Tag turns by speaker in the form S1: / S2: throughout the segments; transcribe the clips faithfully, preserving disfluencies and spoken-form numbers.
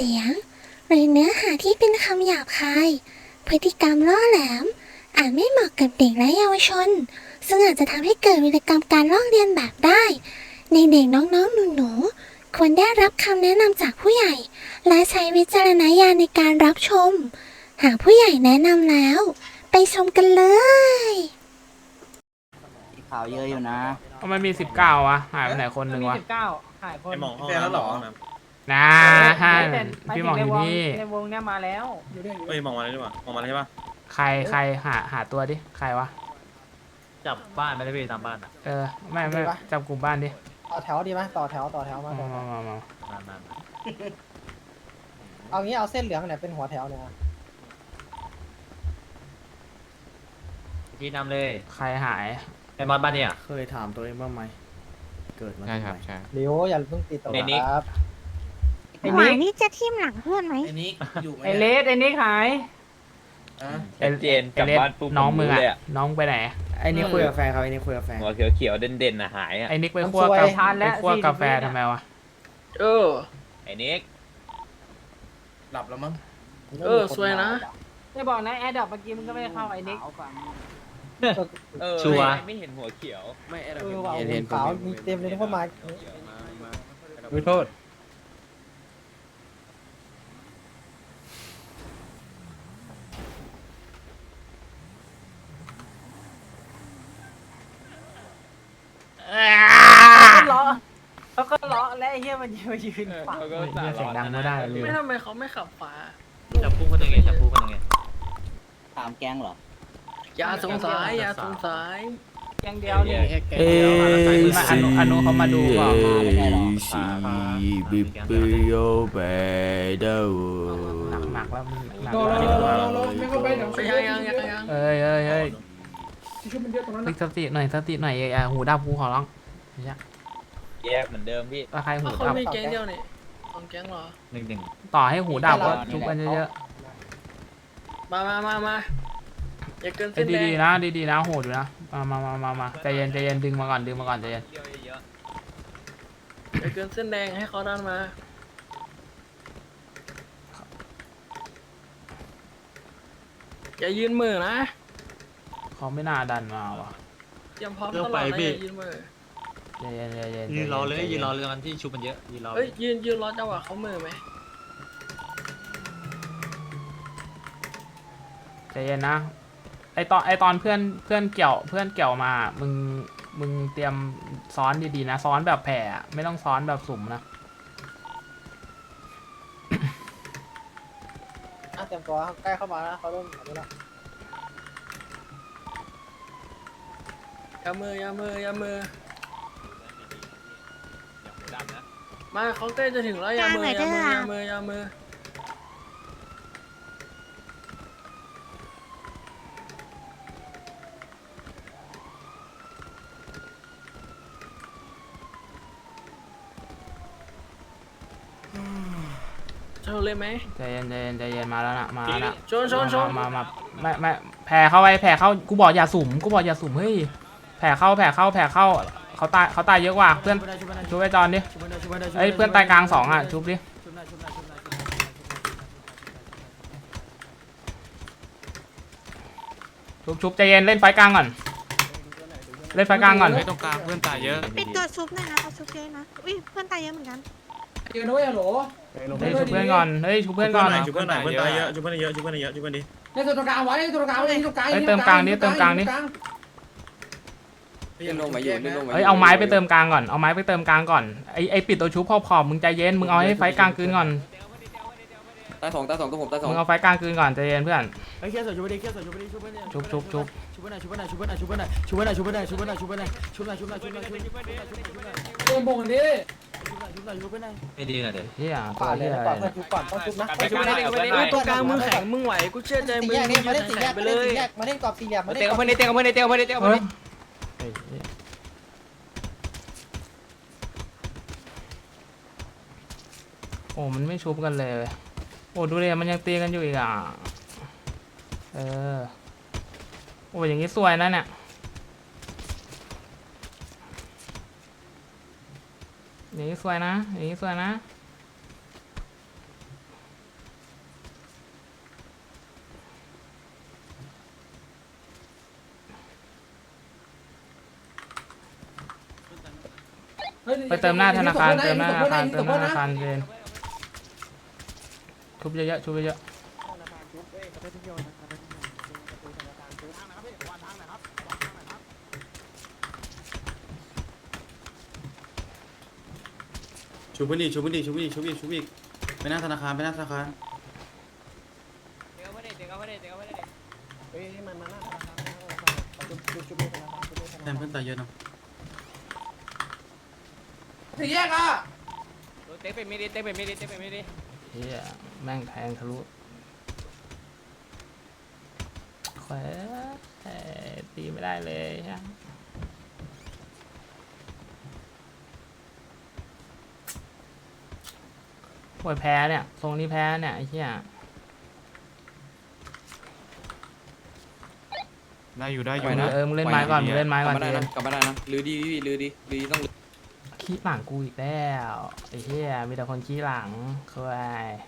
S1: สียงหรือเนื้อหาที่เป็นคำหยาบคายพฤติกรรมล่อแหลมอาจไม่เหมาะกับเด็กและเยาวชนซึ่งอาจจะทำให้เกิดวิกรรมการลอกเลียนแบบได้ในเด็กน้องๆหนูๆควรได้รับคำแนะนำจากผู้ใหญ่และใช้วิจารณญาณในการรับชมหากผู้ใหญ่แนะนำแล้วไปชมกันเลย
S2: ข่าวเยอะอยู่นะ
S3: ทำไมมีสิบเก้าวะหายไปไหนคนหนึ่งวะ
S4: สิบเก้าหายคน
S5: ไอหมองห้องน้ำหรอ
S3: นะฮะพี่หมองอยู่นี่
S4: ในวงเนี้ยมาแล้ว
S5: เฮ้ยมองมาเลยดีกว่ามองมาเลยใช่ปะ
S3: ใครใครหาหาตัวดิใครวะ
S6: จับบ้านไม่ได้พี่ตามบ้านอ่ะ
S3: เออไม่ไม่จับกลุ่มบ้านดิ
S7: ต่อแถวดีไหมต่อแถวต่อแถวมา
S3: มา
S7: ต่อแถ
S3: มาว มามา
S6: นาน
S7: เอางี้เอาเส้นเหลืองเนี่ยเป็นหัวแถวเนี่ย
S6: ๆพี่นำเลย
S3: ใครหาย
S6: ไอ้มอสบ้านเนี่ย
S2: เคยถามตัวเองบ้างไหมเกิดมา
S8: ใช่ครับใช่
S7: เดี๋ยวอย่าเพิ่งติดต่อครับ
S4: ไอ้
S1: หมา
S4: นิ
S1: ย
S4: ก
S1: นี่จะทิ่มหลังเพื่อนไหม
S9: ไอ้นิกอยู่ไหม
S4: ไอ้เลสไอ้นิกหาย
S3: เอเจนกลับบ้านปุ๊บน้องมึงอะน้องไปไหน
S2: ไอ้นี่คุยกับแฟนครับไอ้นี่คุยกับแฟน
S8: หัวเขียวๆเด่นๆน่ะหายอ่ะ
S3: ไอ้นิกไปคั่วกาแฟไปคั่วกาแฟทำไมวะ
S9: เออ
S8: ไอ้นิก
S9: หลับแล้วมั้ง
S7: เออสวยนะ
S4: ไม่บอกนะแอดดับเมื่อกี้มึงก็ไม่ได้เข้าไอ้นิก
S8: เออ
S6: ชัวร์
S8: ไม่เห็นหัวเขียว
S2: ไม่ไอ้
S7: เอ
S2: เรา
S7: อว่า
S2: เห็นเห็น
S7: ขาวมีเต็มเลยทุกคนมา
S2: ไม่โทษ
S4: ล้อแล้วก็ล้อและไอ้เหี้ยมันยืนมายืนฝัง
S8: เขาก็
S3: เฮ้ยเสียงดังไม่ได้เลย
S9: ไม่ทำไมเขาไม่ขับฟ้า
S6: จับคู่คนตรงไงจับคู่คนตรงไง
S2: ถามแก๊งเหรอ
S9: อย่าสงสัยอย่าสงสัย
S4: อย่างเดียวนี่
S3: เอ้ยอนุอนุเขามาดูก่อน
S8: บิบบิโอเบด
S3: หนักหนักแล้วหนัก
S9: โด
S3: แล้ว
S9: โดโดไม่เข้าไปเดี๋ยวยังยังยังยัง
S3: เอ้ยเอ้ยเอ้ยติ๊กสติหน่อยสติหน่อยอย่าหูดับหูขอร้องไม่ใช่
S8: แยกเหมือนเดิมพี่
S3: ถ้าใครหู
S9: เขา
S3: ดับ
S9: มีแก๊งเดียวนี่สองแก๊งเหรอ
S6: หนึ่งหนึ่ง
S3: ต่อให้หูดับก็ชุบกันเยอะ
S9: มามามามาอย่าเกิน
S3: ๆ
S9: เส้นแด
S3: ดี
S9: ง
S3: ๆนะดีๆนะโหดอยู่นะมามามามามาใจเย็นใจเย็นดึงมาก่อนดึงมาก่อนใจเย็น
S9: อย่าเกินเส้นแดงให้เขาดันมาอย่ายืนมือนะ
S3: เขาไม่น่าดันมาว่ะ
S9: เตรียมพร้อมตลอดนะอย่ายืนมือ
S3: ใจเย็นใจเย็น
S6: ยืนรอเลยยืนรอเลยกันที่ชุบมันเยอะยืนรอ
S9: เอ้ยยืนยืนรอจังหวะเขามือไหม
S3: ใจเย็นนะไอตอนไอตอนเพื่อนเพื่อนเกี่ยวเพื่อนเกี่ยวมามึงมึงเตรียมซ้อนดีๆนะซ้อนแบบแผ่ไม่ต้องซ้อนแบบสุ่มนะ
S7: เตรียมตัวใกล้เข้ามาแล้วเขาเริ่มอันนี้แล้ว
S9: อย่ามืออย่ามืออย่ามือมาเขาใกล้จะถึงแล้วอย่ามืออย่ามืออย่ามืออย่ามือชนเลยไหม
S3: ใจเย็นใจเย็นใจเย็นมาแล้วนะมาแล้วนะ
S9: ชนชนชน
S3: มามาไม่ไม่แผ่เข้าไปแผ่เข้ากูบอกอย่าสุ่มกูบอกอย่าสุ่มเฮ้ยแผ่เข้าแผ่เข้าแผ่เข้าเขาตายเขาตายเยอะกว่าเพื่อนชุบไอจอนดิเอ้ยเพื่อนตายกลางสองอ่ะชุบดิชุบชุบใจเย็นเล่นไฟกลางก่อนเล่นไฟกลางก่อน
S8: ไม่ตรงกลางเพื่อนตายเยอะ
S1: ปิดตัวชุบหน่อยนะเขาชุบเยอะนะอุ้ยเพื่อนตายเยอะเหมือนกัน
S7: ยืนด้วยฮัลโหล
S3: เฮ้ยชุบเพื่อนก่อนเฮ้ยชุบเพื่อนก่อน
S5: ชุบเพื่อนหน่อยเพื่อนตายเยอะชุบเพื่อนเยอะชุบเพื่อนเยอะชุบเพื่อนดิ
S7: เล่นตัวตรงกลางไว้เล่นตัวตรงกลางไว้เล่นตรงกลาง
S3: เฮ้ยเติมกลางนิดเติมกลางนิด
S2: เล่นลงมาอยู่เล่นลงมา
S3: เฮ้ยเอาไม้ไปเติมกลางก่อนเอาไม้ไปเติมกลางก่อนไอไอปิดตัวชุบพอพอมึงใจเย็นมึงเอาให้ไฟกลางคืนก่อน
S2: ตาสองตาสองตัวผมตาสอง
S3: มึงเอาไฟกลางคืนก่อนใจเย็นเพื่อน
S2: ไอ้เคี้ยวชุบไปดิเคี้ยวชุบไปดิชุบไปดิ
S3: ชุบชุบชุบ
S2: ชุบไปหน่อยชุบไปหน่อยชุบไปหน่อยชุบไปหน่อยชุบไปหน่อยชุบไปหน่อยชุบไปหน่อยชุบไปหน่อยชุบหน่อยชุบหน่อยชุบหน่อยชุบหน่อยชุบหน่อยชุบหน่อยชุบหน่อย
S7: เล่นบงกันดิ
S2: ชุบหน่อยชุบไปหน่อย
S6: ไม่ดีนะเดี๋ยว
S3: เฮียตั
S7: ป่าว ดเล
S3: เฮี
S7: ย
S3: ย
S7: นะป่าดเพื่อนชุบก่อนต้องชุบนะ
S9: ไปชุบได้ไปได้ตรงกลางมือแข็งมึงไหวกูเชื่อใจมึง
S7: แยก
S9: มึ
S7: นี่
S9: ง
S7: มาเล่นสี่แยก
S9: ไป
S7: มา
S9: เล
S7: เล่น
S9: ย
S7: สี่แยกมาเล่นกรอบสี่เหลี่ยมมาเล่น
S6: เตะ
S7: กร
S6: กั
S7: อ
S6: บบ เพื่อนดิเตะกับเพื่อนดิเตะกับเพื่อนดิเตะกับเพื่อนดิ
S3: เฮ้ยเฮ้ยโอ้มันไม่ชุบกันเลยโอ้ดูเลยมันยังตีกันอยู่อีกอ่ะเออโอ้อย่างงี้สวยนะเนี่ยอย่างงี้สวยนะอย่างงี้สวยนะไปเติมหน้าธนาคารเติมหน้าธนาคารเติมหน้าธนาคารเจนชุบเยอะๆชุบเยอะ
S5: ชูพื้นดิชูพื้นดิชูพื้นดิชูอีกชูอีกไปหน้าธนาคารไปหน้าธนาคาร
S4: เดี๋ยวไม่ได้เดี๋ยวไม่ได้เดี๋ยวไม่ได้
S7: เฮ้ยมันมาหน้าธนาคารเอาจุ๊บจุ๊บจุ๊บธนาคารจุ๊บธนา
S5: แต้
S7: คาม ร
S5: เพื่อนตายเยอะเนาะ
S4: สี่แยกอ่ะเตะไปไม่ดีเตะไปไม่ดีเตะไปไม่ดี
S3: ๆเฮียแม่งแทงทะลุแขวเอ้ยตีไม่ได้เลยใช่โวยแพ้เนี่ยทรงนี้แพ้เนี่ยไอ้เหี้ย
S8: ได้อยู่ได้อ
S3: เอยู่ อเออมึงเล่นไม้ก่อนมึงเล่นไม้ก่อนเจน
S8: กลับมาได้นะลือดีลือดีลือดีต้อง
S3: ขี้หลังกูอีกแล้วไอ้เหี้ยมีแต่คนขี้หลังคือไอ้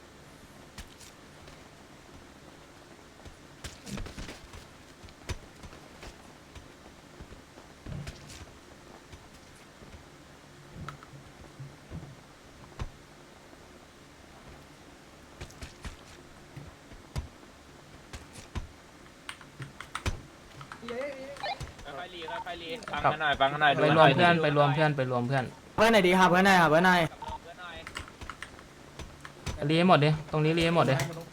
S8: ค่อยๆรีค่อยๆรีฟังกันหน่อยฟังกันหน่อย
S3: ไปรวมเพื่อนไปรวมเพื่อนไปรวมเพื่อน
S2: เพื่อนไหนดีครับเพื่อนไหนครับเพื่อนไหน
S3: รีให้หมดดิตรงนี้รีให้หมดดิ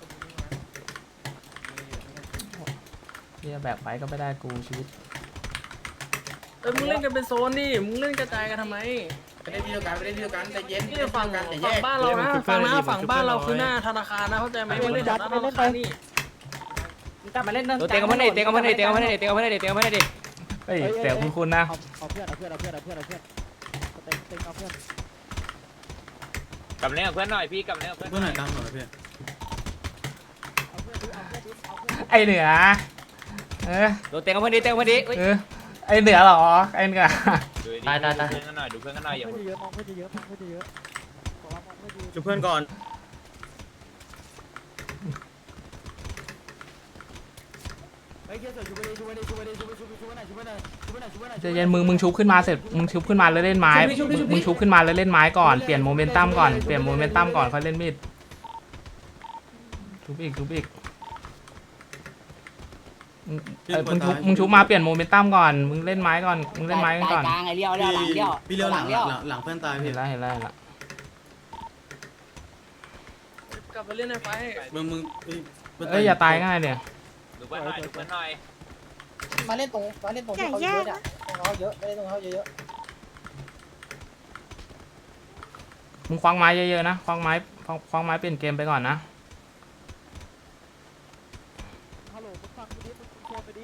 S3: เฮียแบกไปก็ไม่ได้กูชีวิต
S9: เอ้ยมึงเล่นกันเป็นโซนดิมึงเล่นกระจายกันทำไม
S5: ไปเล่นที่เดียวกันไปเล่นที่เดียวกันใจเย็น
S9: นี่ฝั่งฝั่งบ้านเรานะฝั่งหน้าฝั่งบ้านเราคือหน้าธนาคารนะเข้าใจไหมมึงเล่นหน้าธนาคารนี่
S4: กลับมาเล่นเตะกันไม่ได้เตะกันไม่ได้เตะกันไม่ได้เตะกันไม่ได้เตะกันไม่ได้
S3: เฮ้ยเสียคุณคุณนะ
S7: เอาเพื่อนเอาเพื่อนเอาเพื่อนเอาเพื่อนเอาเพื่อนเต็มเต็มเอาเพื่อน
S8: กลับเล่นกับเพื่อนหน่อยพี่กลับเล่นกับเพื่อน
S5: เพื่อนหน่อยตามหน่อยพี่
S3: ไอเหนือเออ
S4: เตะกันไม่ได้เตะกันไม่ได้
S3: เออไอเหนือเหรอไอเหนือ
S8: ตายตายตายเพื่อนกันหน่อยดูเพื่อนกันหน่อยอย่า
S7: เพื่อนเยอะมองเพื่อนเยอะมองเพื่อนเยอะขอรับมองเพื่อนเยอะ
S5: ชูเพื่อนก่อน
S2: เฮ้ยเกียร์เสือชูไปดิชูไปดิชูไปดิชูไปชูไปชูไปไหนชูไปไหนชูไปไหนชูไปไหน
S3: ใจเย็นมึงมึงชุบขึ้นมาเสร็จมึงชุบขึ้นมาแล้วเล่นไม้มึงชุบขึ้นมาแล้วเล่นไม้ก่อนเปลี่ยนโมเมนตัมก่อนเปลี่ยนโมเมนตัมก่อนค่อยเล่นมีดชุบอีกชุบอีกมึงเอ้ยมึงชุบมึงชุบมาเปลี่ยนโมเมนตัมก่อนมึงเล่นไม้ก่อนมึงเล่นไม้กันก่อน
S4: กลางไอ้เลี้ยวเลี้ยวหลังเลี้ยว
S5: พี่เลี้ยวหลังหลังหลังเพื่อนตายพี่
S3: เห็นแล้วเห็นแล้วเห็นแล้ว
S9: กลับไปเล่นในไฟ
S5: มึงมึง
S3: เอ้ยอย่าตายง่ายเนี่ย
S8: ดูเพื่อนหน่อยดูเพื่อนหน่อย
S7: มาเล่นตรงมาเล่นตรงที่เขาเยอะเนี่ยตรงเขาเยอะไม่ได้ตรงเขาเยอะ
S3: มึงคว้างไม้เยอะๆนะคว้างไม้คว้างคว้างไม้เปลี่ยนเกมไปก่อนนะ
S7: ฮัลโหลมึงฟังกูดิมึงโชว์ไปดิ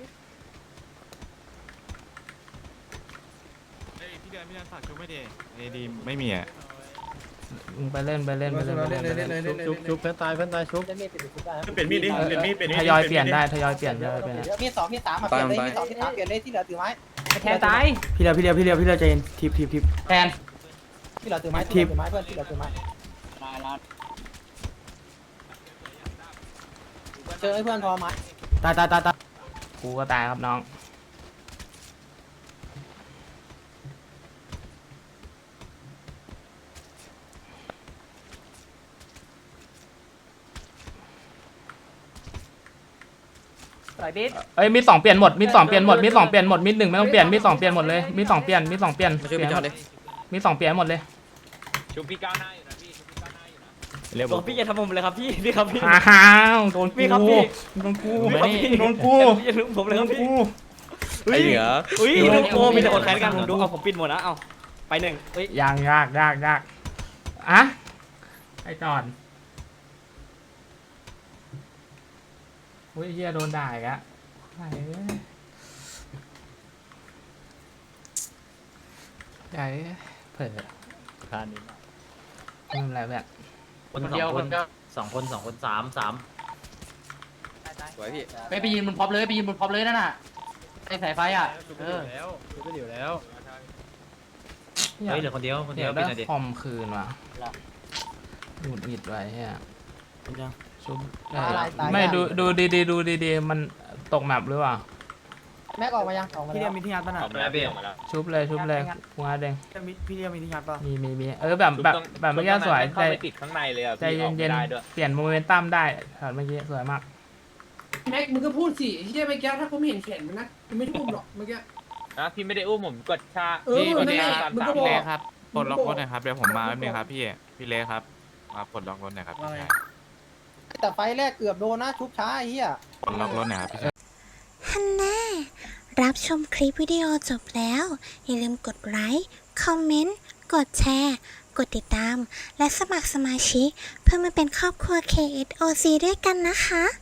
S8: พี่เดือนพี่เดือนฝากชุบไม่ดีเอดีไม่มีอ่ะ
S3: มึงไปเล่นไปเล่นไปเล่นไปเล่นไปเล่น
S7: ชุบชุบเพื่อนตายเพื่อนตายชุบจะมีดเปลี่ยนชุบได้
S5: เปลี่ยนมีดดิเปลี่ยนมีดเปลี่ยนมีด
S3: ทยอยเปลี่ยนได้ทยอยเปลี่ยนทยอยเปลี่ยน
S7: มีดสองมีดสามมาเปลี่ยนเลยมีดสองมีดสามเปลี่ยนเลยที่เหลือถือไม้
S4: แทนตาย
S2: พี่เลี้ยวพี่เลี้ยวพี่เลี้ยวพี่เลี้ยวใจเย็นทิปทิปทิป
S4: แทน
S7: ที่เหลือถือไม้ที่เหลือถือไม้เพื่อนที่เหลือถือไม้เจอไอ้เพื่อนพอไม้
S2: ตายตายตายตาย
S3: กูก็ตายครับน้องเอ้ยมีสองเปลี่ยนหมดมีสองเปลี่ยนหมดมีสองเปลี่ยนหมดมีหนึ่งไม่ต้องเปลี่ยนมีสองเปลี่ยนหมดเลยมีสองเปลี่ยนมีสองเปลี่ยน
S8: มาช่วยพี่จอดดิ
S3: มีสองเปลี่ยนหมดเลย
S8: ชุบพี่ก้าวหน้าอยู่นะพี่ชุบพี่ก้าวหน้าอยู่นะ
S6: เร็ว
S4: พี่อย่าทำผมเลยครับพี่พี่ครับพี่
S3: อ้าวโดน
S4: พี่
S3: กู
S4: ครับพี่
S3: โดนกู
S4: พี่ครับพี่
S3: โดนกู
S4: อย่าลืมผมเลย
S3: โด
S4: ครับ
S3: น
S4: พี่
S3: กู
S6: ไอ้เหนือ
S4: อุ้ยลูกโกมีแต่คนแข่งกันผมดูเอาผมปิดหมดนะเอาไปหนึ่งเฮ้ย
S3: ยากยากยากยากอะไอ้จอนเฮ้ยเฮียโดนด่าอีกอะไอ้เอ้ยใหญ่เผลอ
S6: ทานนี้
S3: ไม่เป็นไรแบบ
S6: คนสองคนสองคนสองคนสามสาม
S8: สวยพี่
S4: ไปไปยืนบนพร็อพเลยไปยืนบนพร็อพเลยนั่นน่ะไอ้สายไฟอ่ะเออ
S6: ชุบไปอยู่แล้ว
S3: อยาก
S6: เฮ้ยเหลือคนเดียวคนเดี
S3: เดี๋
S6: ย
S3: ยว ว
S6: ปิ
S3: ได้
S6: ดหน่อยดิ
S3: คอมคืนว่ะหงุดหงิดไว้เฮียชุบไม่ดูดูดีๆดูดีๆมันตกแมปหรือเปล่า
S7: แม็กออกมายังออกมา
S2: พี่เรี
S7: แล้
S2: ยว มีที่งัดป่ะน่ะ
S8: ออกมาแล้วพี่ออกมาแล้ว
S3: ชุบเลยชุบเลยกูงาเด้ง
S2: พี่เรียวมีที่งัดป่ะ
S3: มีมีมีเออแบบแบบแบบเมื่อกี้สวย
S8: เข้า
S3: ใจ
S8: ไปติดข้างในเลยอ่ะ
S3: ใจ
S8: พี่ออก
S3: เย็
S8: ไม่
S3: น
S8: ได้ด้วย
S3: ๆเปลี่ยนโมเมนตัมได้ช็อตเมื่อกี้สวยมาก
S9: แม็กมึงก็พูดสิที่จะไปแก้ถ้ากูไม่เห็นแขนมันนะกูไม่ทุ่มหรอกเมื่อกี้
S8: นะพี่ไม่ได้อุ้มผมกดชา
S9: เออนั่นแหละมึงก็บอก
S8: เลยครับปลดล็อกรถหน่อยครับเดี๋ยวผมมาแป๊บนึงครับพี่พี่เล่ครับมาปลดล็อกรถหน่อยครับพี่ชาย
S7: แต่ไฟแรกเกือบโดนนะชุบช้าไอ้เหี้ย
S8: ปลดล็อกรถหน่อยครับพี่ชาย
S1: ฮันน่ารับชมคลิปวิดีโอจบแล้ว อย่าลืมกดไลค์ คอมเมนต์ กดแชร์ กดติดตาม และสมัครสมาชิก เพื่อมาเป็นครอบครัว เค เอส โอ ซี ด้วยกันนะคะ